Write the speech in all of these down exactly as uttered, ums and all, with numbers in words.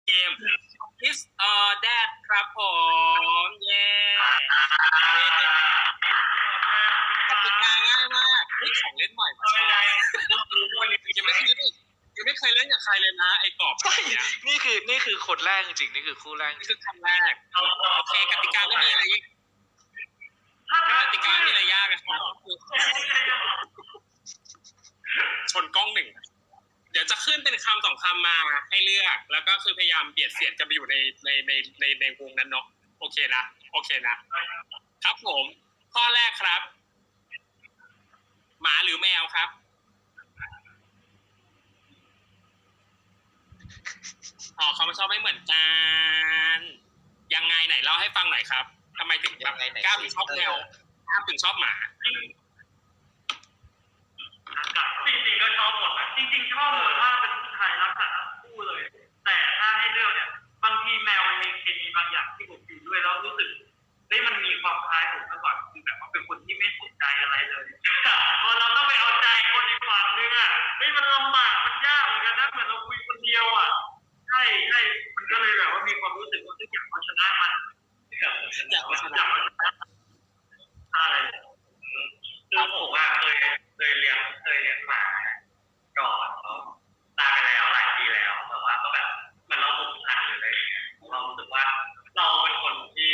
เกม This or That ครับผมเย้กติกาง่ายมากเฮ้ยของเล่นใหม่มาใช่ไหมยังไม่เคยเล่นยังไม่เคยเล่นกับใครเลยนะไอ้กรอบอะไรเนี้ยนี่คือนี่คือคนแรกจริงๆนี่คือคู่แรกนี่คือครั้งแรกโอเคกติกาไม่มีอะไรกติกาไม่มีอะไรยากนะครับชนกล้องหนึ่งเดี๋ยวจะขึ้นเป็นคำสองคำมาให้เลือกแล้วก็คือพยายามเบียดเสียดกันไปอยู่ในในในในในวงนั้นเนาะโอเคนะโอเคนะครับผมข้อแรกครับหมาหรือแมวครับอ๋อเขาไม่ชอบไม่เหมือนกันยังไงไหนเล่าให้ฟังหน่อยครับทำไมถึงแบบก้าวถึงชอบแมวก้าวถึงชอบหมาจริงๆก็ชอบหมดนะจริงๆชอบหมดถ้าเป็นผู้ชายรักสัตว์ทั้งคู่เลยแต่ถ้าให้เลือกเนี่ยบางทีแมวมันมีเคมีบางอย่างที่ผมอยู่ด้วยแล้วรู้สึกเฮ้ยมันมีความคล้ายผมมากกว่าคือแบบว่าเป็นคนที่ไม่สนใจอะไรเลยพอเราต้องไปเอาใจคนอีกฝั่งนึงอ่ะเฮ้ยมันลำบากมันยากเหมือนกันนะเหมือนเราคุยคนเดียวอ่ะใช่ใช่มันก็เลยแบบว่ามีความรู้สึกว่าอยากเอาชนะมันอยากเอาชนะใช่คือผมว่าเคยเคยเลี้ยงเคยเลี้ยงหมาก่อนเขาตายไปแล้วหลายปีแล้วแต่ว่าก็แบบมันเราผูกพันหรืออะไรอย่างเงี้ยเรารู้สึกว่าเราเป็นคนที่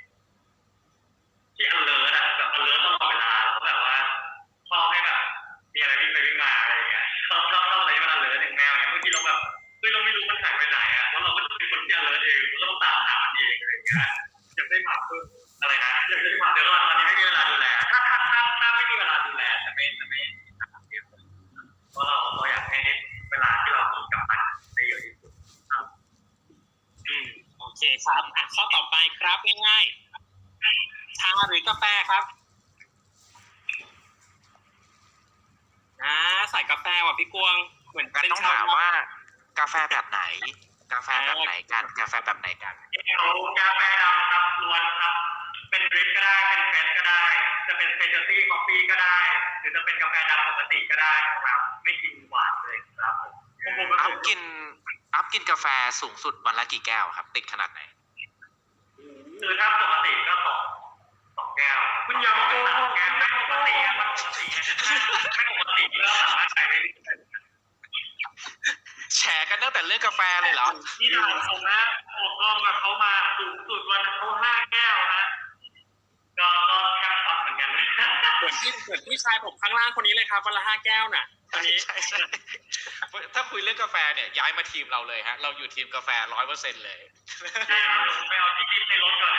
ที่ alert อะแบบ alert ตลอดเวลาแล้วก็แบบว่าชอบให้แบบมีอะไรวิ่งไปวิ่งมาอะไรอย่างเงี้ยชอบชอบชอบอะไรที่มัน alert อย่างแมวอย่างเงี้ยบางทีเราแบบเฮ้ยเราไม่รู้มันหายไปไหนอะแล้วเราก็เป็นคนที่ alert เองเราต้องตามหามันเองอะไรอย่างเงี้ยอยากได้หมาเพิ่มอะไรนะอยากได้หมาเดี๋ยวตอนนี้ไม่มีเวลาดูแลถ้าถ้าถ้าถ้าไม่มีเวลาดูแลจะไม่จะไม่เพราะเราเราอยากให้เวลาที่เรามีกับมันได้เยอะที่สุดครับอืมโอเคครับอ่ะข้อต่อไปครับง่ายๆชาหรือกาแฟครับอ่าใส่กาแฟว่ะพี่กวงเหมือนกันต้องถามว่ากาแฟแบบไหนกาแฟแบบไหนกันกาแฟแบบไหนกันเอากาแฟดำครับล้วนครับเป็นดริปก็ได้เป็นเฟสก็ได้จะเป็นสเปเชียลตี้คอฟฟี่ก็ได้หรือจะเป็นกาแฟดำปกติก็ได้ครับไม่กินหวานเลยครับผมอัพกินอัพกินกาแฟสูงสุดวันละกี่แก้วครับติดขนาดไหนคือถ้าปกติก็สองสองแก้วคุณอย่ามาโกหกแก้วไม่ปกติไม่ปกติไม่ปกติก็สามารถใช้ได้แชร์กันตั้งแต่เรื่องกาแฟเลยเหรอที่ด่านผมนะออกกองกับเขามาสูงสุดวันเขาห้าแก้วนะก็ก็แคปช็อตเหมือนกันเหมือนที่เหมือนพี่ชายผมข้างล่างคนนี้เลยครับวันละห้าแก้วน่ะตอนนี้ใช่ใช่ถ้าคุยเรื่องกาแฟเนี่ยย้ายมาทีมเราเลยฮะเราอยู่ทีมกาแฟร้อยเปอร์เซ็นต์เลยใช่ครับไปเอาที่กินในรถก่อน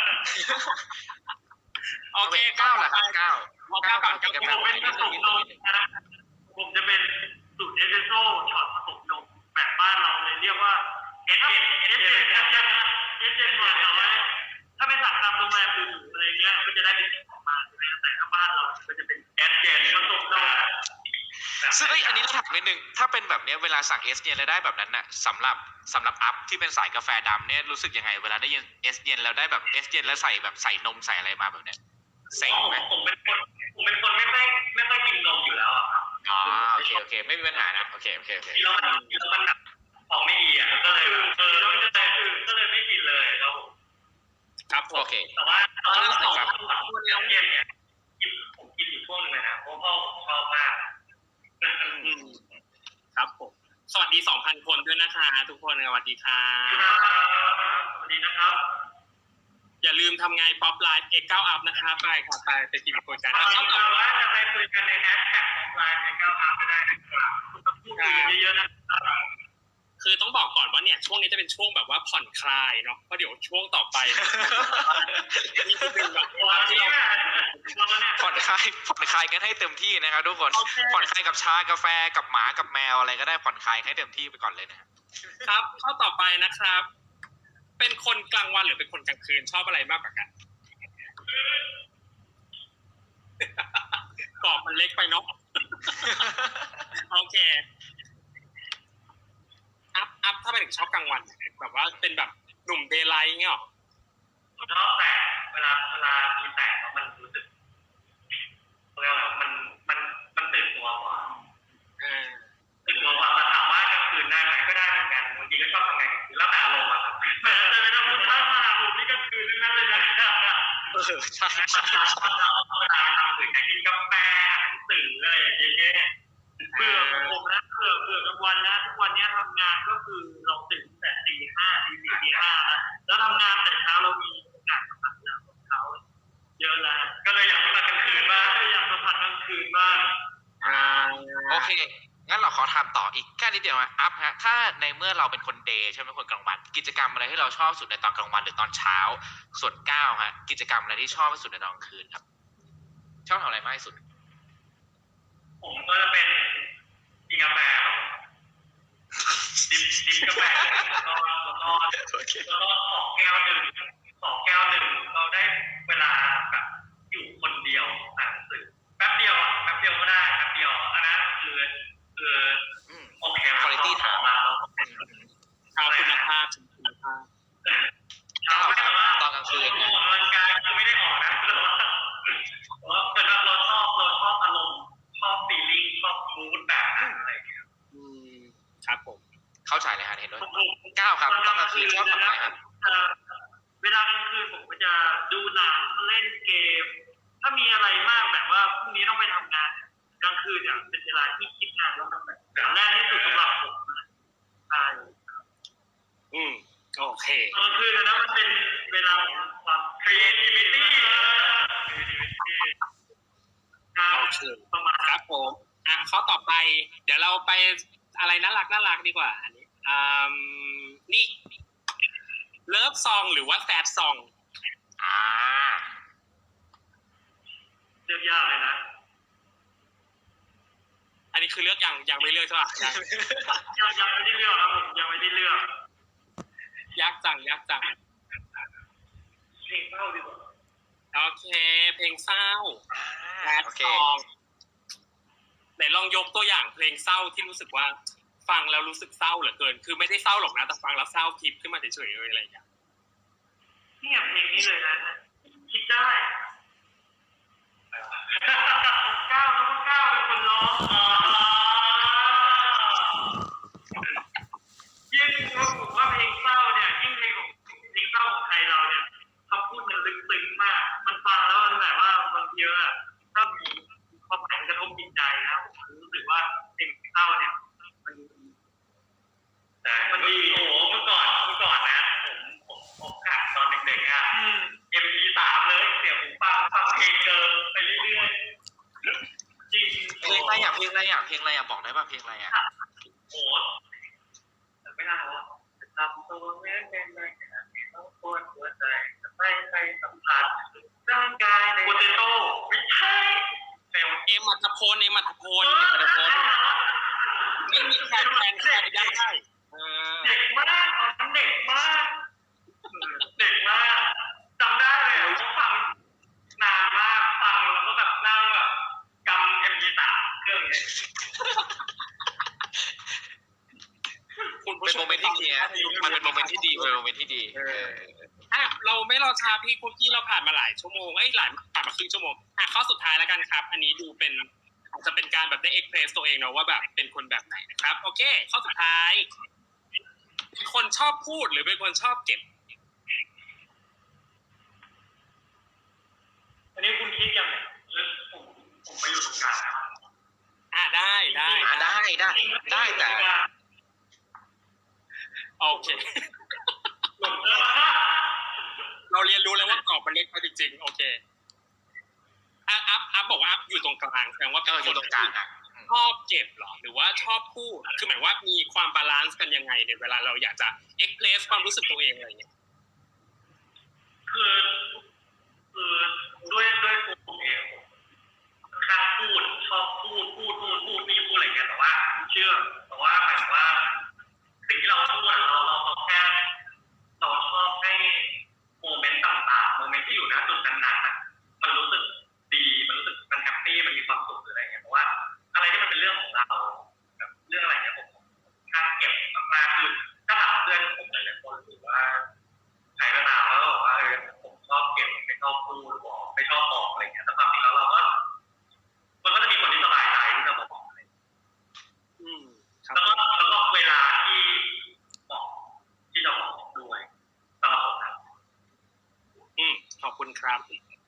โอเคเก้าแหละครับเก้าเก้าก่อนผมเป็นผสมนมนะผมจะเป็นสูตรเอสเปรสโซ่ช็อตผสมนมแบบบ้านเราเลยเรียกว่าเอสเจนเอสเจนเอสเจนเอสเจนก่อนเอาไว้ถ้าไปสั่งตามโรงแรมหรูๆอะไรเงี้ยก็จะได้เป็นออกมาใช่ไหมแต่ถ้าบ้านเราก็จะเป็นเอสเจนผสมนมซึ่งอันนี้ถามนิดนึงถ้าเป็นแบบนี้เวลาสั่งเอสเย็นแล้วได้แบบนั้นน่ะสำหรับสำหรับอัพที่เป็นสายกาแฟดำเนี่ยรู้สึกยังไงเวลาได้ยินเอสเย็นแล้วได้แบบเอสเย็นแล้วใส่แบบใส่นมใส่อะไรมาแบบเนี้ยเซ็งไหมผมเป็นคนผมเป็นคนไม่ค่อยไม่ค่อยกินนมอยู่แล้วอ่ะครับอ๋อโอเคโอเคไม่มีปัญหานะโอเคโอเคโอเคแล้วมันแล้วมันแบบของไม่ดีอ่ะก็เลยเออแล้วจะแต่คือก็เลยไม่กินเลยครับผมครับโอเคแต่ว่าตอนที่สองคนเลี้ยงเย็นเนี่ยกินผมกินอยู่ช่วงนึงเลยนะเพราะพ่อชอบมากครับผมสวัสดี สองพัน คนด้วยนะคะทุกคนสวัสดีค่ะสวัสดีนะครับอย่าลืมทำไงป๊อปไลฟ์เอเก้าอัพนะคะไปค่ะไปไปทีมคุยกันเอาต่อว่าจะไปคุยกันในแฮชแท็กป๊อปไลฟ์เอเก้าอัพก็ได้นะครับพูดคุยเยอะๆนะครับคือต้องบอกก่อนว่าเนี่ยช่วงนี้จะเป็นช่วงแบบว่าผ่อนคลายเนาะเพราะเดี๋ยวช่วงต่อไปนี่คือแบบว่าที่เราผ่อนคลายผ่อนคลายกันให้เต็มที่นะครับทุกคนผ่อนคลายกับชากาแฟกับหมากับแมวอะไรก็ได้ผ่อนคลายให้เต็มที่ไปก่อนเลยนะครับข้อต่อไปนะครับเป็นคนกลางวันหรือเป็นคนกลางคืนชอบอะไรมากกว่ากันกรอบมันเล็กไปเนาะโอเคอัพอัพถ้าเป็นชอบกลางวันแบบว่าเป็นแบบหนุ่มเดย์ไลท์เงี้ยหรอชอบแต่เวลาเวลามีแต่งแล้วมันรู้สึกเรียกว่ามันมันมันตื่นตัวกว่าตื่นตัวกว่าแต่ถามว่ากลางคืนได้ไหมก็ได้เหมือนกันบางทีก็ชอบทำงานแล้วแต่อใช่ใช่ตอนเราเวลาทำสื่ออยากกินกาแฟหนังสืออะไรอย่างเงี้ยเบื่อของผมนะเบื่อเบื่อกลางวันนะทุกวันนี้ทำงานก็คือเราตื่นแต่ตีห้าตีสี่ตีห้าแล้วทำงานแต่เช้าเรามีโอกาสสัมผัสงานของเขาเยอะแล้วก็เลยอยากสัมผัสกลางคืนบ้างอยากสัมผัสกลางคืนบ้างอ่าโอเคงั้นเราขอถามต่ออีกแค่นิดเดียวนะอัพฮะถ้าในเมื่อเราเป็นคนเดย์ใช่ไหมคนกลางวันกิจกรรมอะไรที่เราชอบสุดในตอนกลางวันหรือตอนเช้าส่วนก้าวฮะกิจกรรมอะไรที่ชอบที่สุดในตอนกลางคืนครับชอบทำอะไรมากที่สุดผมก็จะเป็นกินกาแฟครับดิบดิบกาแฟแล้วก็แล้วก็แล้วก็ขอแก้วหนึ่งขอแก้วหนึ่งเราได้เวลาแบบอยู่คนเดียวอ่านหนังสือแป๊บเดียวอ่ะแป๊บเดียวก็ได้แป๊บเดียวอันนั้นคือคือโอเค quality time เอาคุณภาพคุณภาพก้าวครับตอนกลางคืนอเนี่ยอกกำลังกายคือไม่ได้ออกนะแต่ว่าเหมือนเราชอบเราชอบอารมณ์ชอบฟีลลิ่งชอบมูดแบบนั้นอะไรอย่างเงี้ยอืมครับผมเข้าใจเลยฮะเห็นด้วยก้าวครับตอนกลางคืนชอบทำอะไรครับเวลากลางคืนผมก็จะดูหนังเล่นเกม ถ้ามีอะไรมากแบบว่าพรุ่งนี้ต้องไปทำงานกลางคืนเนี่ยเป็นเวลาที่คิดงานแล้วมันแบบแรกที่สุดสำหรับผมนะใช่อืมโอเคกลางคืนนะมันเป็นเวลาของความ creativity โอเคประมาณครับผมอ่ะข้อต่อไป เดี๋ยวเราไปอะไรน่ารักน่ารักดีกว่าอันนี้อ่านี่เลิฟซองหรือว่าแซดซองอ่าเลือกยากเลยนะอันนี้คือเลือกยังยังไม่เลือกใช่ป่ะยังยังยังไม่ได้เลือกครับผมยังไม่ได้เลือกยากจังยากจังเพลงเศร้าดีกว่าโอเค เพลงเศร้าแซดโอเคซองไหนลองยกตัวอย่างเพลงเศร้าที่รู้สึกว่า ฟังแล้วรู้สึกเศร้าเหลือเกิน คือไม่ได้เศร้าหรอกนะแต่ฟังแล้วเศร้าทิพย์ขึ้นมาเฉยๆเลยอะไรอย่างเงี้ยเนี่ยเพลงนี้เลยนะคิดได้ก้าวแล้วก็ก้าวเป็นคนร้องยิ่งผมว่าเพลงเศร้าเนี่ยยิ่งเพลงของเพลงเศร้าของไทยเราเนี่ยคำพูดมันลึกซึ้งมาก มันฟังแล้วมันแบบว่าบางทีอะถ้ามีความหมายกระทบจิตใจนะผมรู้สึกว่าเพลงเศร้าเนี่ยมันแต่มันดีโอ้โหเมื่อก่อนเมื่อก่อนนะผมผมผมขัดตอนเด็กๆอ่ะเอ็มพีสามเลยเสียงหูฟังฟังเพลงเดิมไปเรื่อยๆจริงเพลงอะไรอ่ะเพลงอะไรอ่ะเพลงอะไรอ่ะบอกได้ป่ะเพลงอะไรอ่ะโอ้แต่ไม่น่าว่าจะทำตัวแม้เป็นอะไรขนาดนี้ต้องปวดหัวใจจะไม่ไปสัมผัสร่างกายในโปเตโต้ไม่ใช่เฟลเอ็มอัธพลเอ็มอัธพลเอ็มอัธพลไม่มีใครแทนใครได้เออเด็กมากตอนนั้นเด็กมากเด็กมากจำได้เลยว่าฟังนานมากฟังแล้วก็แบบนั่งแบบกำเอ็มพีสามเครื่องเนี่ยคุณผู้เป็นชโมเมนต์ที่ดีนะมันเป็นโมเมนต์ที่ดีเป็นโมเมนต์ที่ดีเอออ่ะเราไม่รอช้าพี่คุกกี้เราผ่านมาหลายชั่วโมงเอ้ยหลายผ่านมาครึ่งชั่วโมงอ่ะข้อสุดท้ายแล้วกันครับ อันนี้ดูเป็นอาจจะเป็นการแบบได้เอ็กเพรสตัวเองเนาะว่าแบบเป็นคนแบบไหนนะครับโอเค ข้อสุดท้ายเป็นคนชอบพูดหรือเป็นคนชอบเก็บอันนี้คุณคิดยังไงหรือผมผมไปอยู่ตรงกลางนะอ่ะได้ได้อ่ะได้ได้ได้แต่โอเค เราเรียนรู้แล้วว่ากรอบมันเล็กไปจริงๆโอเคอ่ะอัพอัพบอกว่าอัพอยู่ตรงกลางแสดงว่าเอเป็นออคยู่นตรงกลางอ่ะชอบเก็บเหรอหรือว่าชอบพูดคือหมายว่ามีความบาลานซ์กันยังไงในเวลาเราอยากจะเอ็กเพรสความรู้สึกตัวเองอะไรอย่างเงี้ยคือคือด้วยด้วยตัวผมเองผมข้างพูดชอบพูดพูดพูดพูดนี่พูดอะไรเงี้ยแต่ว่าเชื่อแต่ว่าหมายถึงว่าสิ่งที่เราพูดเราเราเราแค่เราชอบให้โมเมนต์ต่างๆโมเมนต์ที่อยู่ณจุดนั้นๆน่ะมันรู้สึกดีมันรู้สึกมันแฮปปี้มันมีความสุขหรืออะไรเงี้ยเพราะว่าอะไรที่มันเป็นเรื่องของเราแบบเรื่องอะไรเงี้ยผมข้างเก็บมากๆคือถ้าถามเพื่อนผมหลายๆคนหรือว่าใครก็ตามแล้วบอกว่าเออผมชอบเก็บไม่ชอบพูดบอกไม่ชอบบอกอะไรเงี้ยแต่ความจริงแล้วเราก็มันก็จะมีคนที่สบายใจที่จะบอกอะไรอืมครับแล้วก็แล้วก็เวลาที่เหมาะที่จะบอกด้วยสำหรับผมนะอืมขอบคุณครับ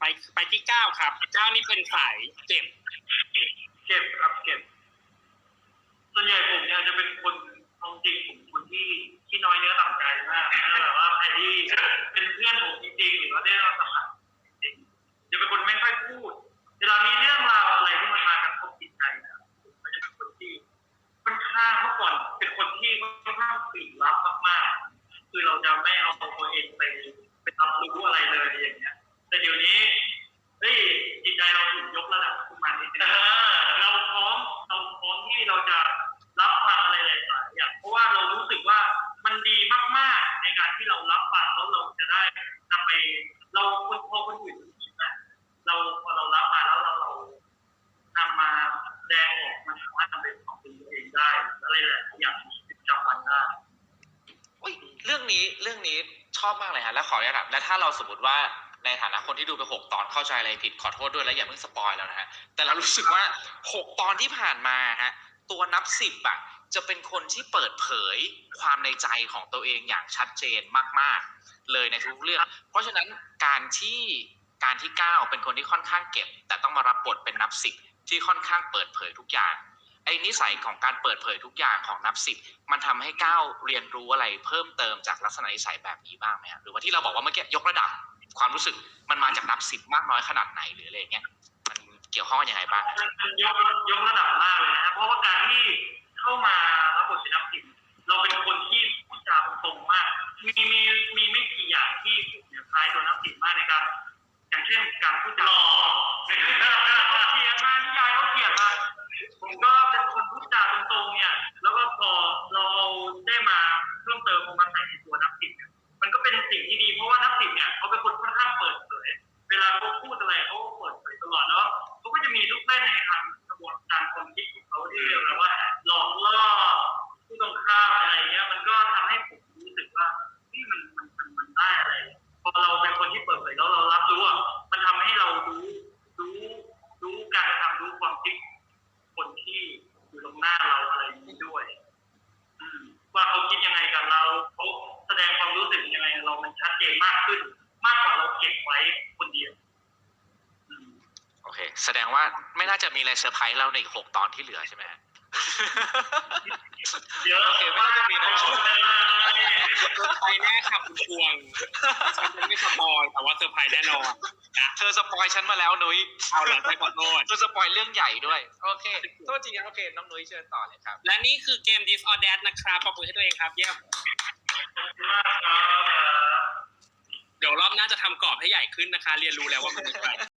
ไปไปที่เก้าครับเก้านี่เป็นสายเจ็บเก็บครับเก็บส่วนใหญ่ผมเนี่ยจะเป็นคนเอาจริงผมคนที่ที่น้อยเนื้อต่ำใจมากถ้าแบบว่าใครที่เป็นเพื่อนผมจริงๆหรือว่าได้รับสัมผัสจริงๆจะเป็นคนไม่ค่อยพูดเวลามีเรื่องราวอะไรที่มันมากระทบจิตใจนะผมก็จะเป็นคนที่ค่อนข้างเมื่อก่อนเป็นคนที่ค่อนข้างปิดลับมากๆคือเราจะไม่เอาตัวเองไปไปรับรู้อะไรเลยอย่างเงี้ยแต่เดี๋ยวนี้เฮ้ยจิตใจเราถูกยกระดับขึ้นมานิดนึงเราพร้อมเราพร้อมที่เราจะรับฟังอะไรหลายๆอย่างเพราะว่าเรารู้สึกว่ามันดีมากๆในการที่เรารับฟังแล้วเราจะได้นำไปเราคนพอคนอื่นคิดนะเราพอเรารับมาแล้วเราเรานำมาแสดงออกมันสามารถทำเป็นของตัวเองได้อะไรหลายๆอย่างที่จำวันได้อุ๊ยเรื่องนี้เรื่องนี้ชอบมากเลยฮะแล้วขออนุญาตถามแล้วถ้าเราสมมติว่าในฐานะคนที่ดูไปหกตอนเข้าใจอะไรผิดขอโทษด้วยแล้วอย่าเพิ่งสปอยแล้วนะฮะแต่เรารู้สึกว่าหกตอนที่ผ่านมาฮะตัวนับสิบอะจะเป็นคนที่เปิดเผยความในใจของตัวเองอย่างชัดเจนมากๆเลยในทุกเรื่องเพราะฉะนั้นการที่การที่ก้าวเป็นคนที่ค่อนข้างเก็บแต่ต้องมารับบทเป็นนับสิบที่ค่อนข้างเปิดเผยทุกอย่างไอ้นิสัยของการเปิดเผยทุกอย่างของนับสิบมันทำให้ก้าวเรียนรู้อะไรเพิ่มเติมจากลักษณะนิสัยแบบนี้บ้างไหมฮะหรือว่าที่เราบอกว่าเมื่อกี้ยกระดับความรู้สึกมันมาจากนับสิบมากน้อยขนาดไหนหรืออะไรเงี้ยมันเกี่ยวข้องกันยังไงบ้างมันยกยกระดับมากเลยนะเพราะว่าการที่เข้ามารับบทเป็นนักสิบเราเป็นคนที่พูดจาตรงๆมากมีมีมีไม่กี่อย่างที่ผมเนี่ยคล้ายตัวนักสิบมากในการอย่างเช่นการพูดจาหล่อเขาเขียนมานิยายเขาเขียนมาผมก็เป็นคนพูดจาตรงๆเนี่ยแล้วก็พอเราได้มาเพิ่มเติมมาใส่ในตัวนักสิบเนี่ยมันก็เป็นสิ่งที่ดีเพราะว่านักสิบเนี่ยเขาเป็นคนค่อนข้างเปิดเผยเวลาเขาพูดอะไรเขาเปิดเผยตลอดแล้วเขาก็จะมีลูกเล่นในทางกระบวนการความคิดของเขาที่เรียกว่าหลอกล่อผู้ตรงข้ามอะไรเงี้ยมันก็ทำให้ผมรู้สึกว่าที่มันมันมันมันได้อะไรพอเราเป็นคนที่เปิดเผยแล้วเรารับรู้อ่ะมันทำให้เรารู้รู้รู้การกระทำรู้ความคิดคนที่อยู่ตรงหน้าเราอะไรอย่างนี้ด้วยอืมว่าเขาคิดยังไงกับเราเขาแสดงความรู้สึกยังไงเรามันชัดเจนมากขึ้นมากกว่าเราเก็บไว้คนเดียวโอเคแสดงว่าไม่น่าจะมีอะไรเซอร์ไพรส์เราในอีกหกตอนที่เหลือใช่ไหมฮะเยอะโอเคไม่น่าจะมีนะเซอร์ไพรส์แน่ค่ะคุณพวงฉันจะไม่สปอยแต่ว่าเซอร์ไพรส์แน่นอนนะเธอสปอยฉันมาแล้วนุ้ยเอาหลังไปขอโทษเธอสปอยเรื่องใหญ่ด้วยโอเคโทษจริงครับโอเคน้องนุ้ยเชิญต่อเลยครับและนี่คือเกม This or That นะครับปรบมือให้ตัวเองครับเยี่ยมเดี๋ยวรอบหน้าจะทำกรอบให้ใหญ่ขึ้นนะคะ เรียนรู้แล้วว่ามันมีอะไร